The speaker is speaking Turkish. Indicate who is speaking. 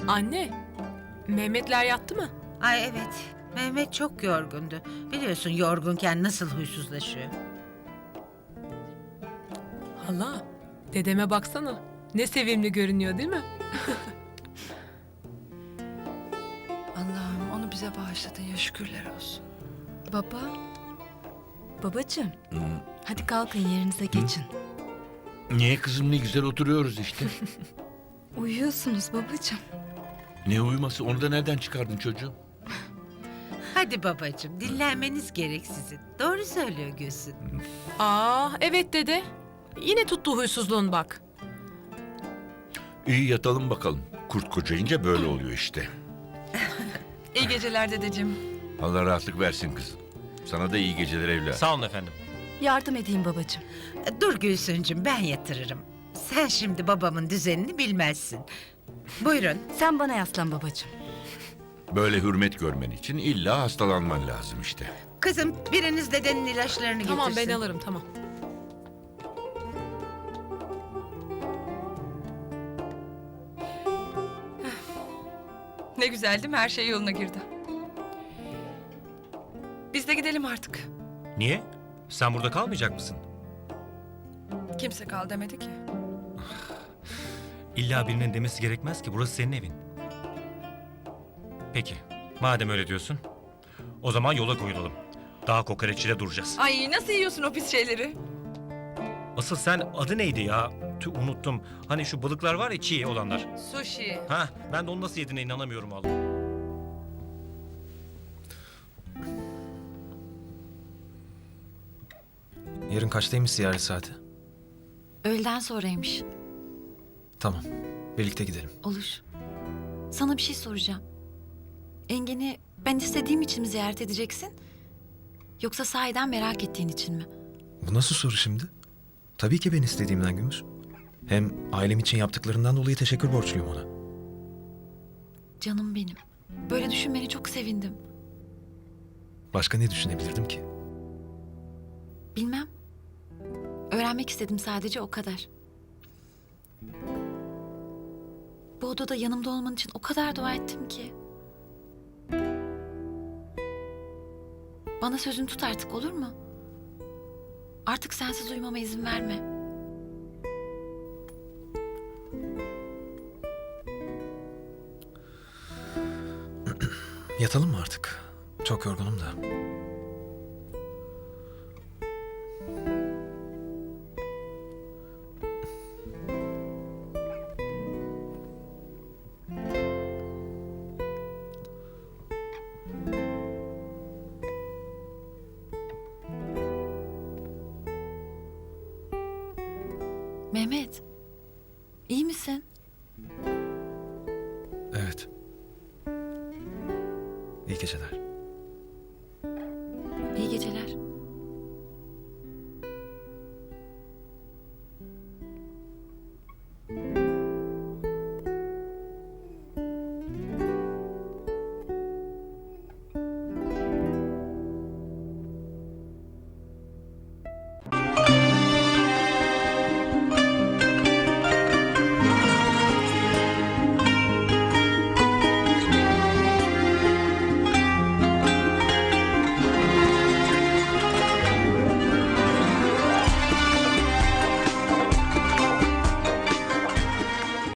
Speaker 1: Anne, Mehmetler yattı mı?
Speaker 2: Ay evet. Mehmet çok yorgundu. Biliyorsun yorgunken nasıl huysuzlaşıyor.
Speaker 1: Hala, dedeme baksana. Ne sevimli görünüyor değil mi?
Speaker 3: Allah'ım onu bize bağışladın ya, şükürler olsun.
Speaker 4: Baba. Babacığım. Hadi kalkın yerinize geçin.
Speaker 5: Niye kızım, ne güzel oturuyoruz işte.
Speaker 4: Uyuyorsunuz babacığım.
Speaker 5: Ne uyuması, onu da nereden çıkardın çocuğum?
Speaker 2: Hadi babacığım dinlenmeniz gerek sizin. Doğru söylüyor Gülsün.
Speaker 1: Evet dede. Yine tuttu huysuzluğun bak.
Speaker 5: İyi yatalım bakalım. Kurt kocayınca böyle oluyor işte.
Speaker 3: İyi geceler dedeciğim.
Speaker 5: Allah rahatlık versin kızım. Sana da iyi geceler evladım.
Speaker 6: Sağ olun efendim.
Speaker 4: Yardım edeyim babacığım.
Speaker 2: Dur Gülsüncüm ben yatırırım. Sen şimdi babamın düzenini bilmezsin. Buyurun.
Speaker 4: Sen bana yaslan babacığım.
Speaker 5: Böyle hürmet görmen için illa hastalanman lazım işte.
Speaker 2: Kızım biriniz dedenin ilaçlarını
Speaker 1: Tamam
Speaker 2: getirsin.
Speaker 1: ben alırım tamam.
Speaker 3: Ne güzel değil mi? Her şey yoluna girdi. Biz de gidelim artık.
Speaker 6: Niye? Sen burada kalmayacak mısın?
Speaker 3: Kimse kal demedi ki.
Speaker 6: İlla birinin demesi gerekmez ki. Burası senin evin. Peki. Madem öyle diyorsun. O zaman yola koyulalım. Dağ kokoreççide duracağız.
Speaker 3: Ay nasıl yiyorsun o pis şeyleri?
Speaker 6: Asıl sen adı neydi ya? Unuttum. Hani şu balıklar var ya, çiğ olanlar.
Speaker 3: Sushi.
Speaker 6: Ha, ben de onu nasıl yediğine inanamıyorum vallahi.
Speaker 7: Yarın kaçtaymış ziyaret saati?
Speaker 8: Öğleden sonraymış.
Speaker 7: Tamam. Birlikte gidelim.
Speaker 8: Olur. Sana bir şey soracağım. Engin'i ben istediğim için mi ziyaret edeceksin? Yoksa sahiden merak ettiğin için mi?
Speaker 7: Bu nasıl soru şimdi? Tabii ki ben istediğimden Gümüş. Hem ailem için yaptıklarından dolayı teşekkür borçluyum ona.
Speaker 8: Canım benim. Böyle düşünmeni çok sevindim.
Speaker 7: Başka ne düşünebilirdim ki?
Speaker 8: Bilmem. Öğrenmek istedim sadece, o kadar. Bu odada yanımda olman için o kadar dua ettim ki. Bana sözünü tut artık, olur mu? Artık sensiz uyumama izin verme.
Speaker 7: Yatalım mı artık? Çok yorgunum da.
Speaker 8: Mehmet, iyi misin?
Speaker 7: Evet. İyi geceler.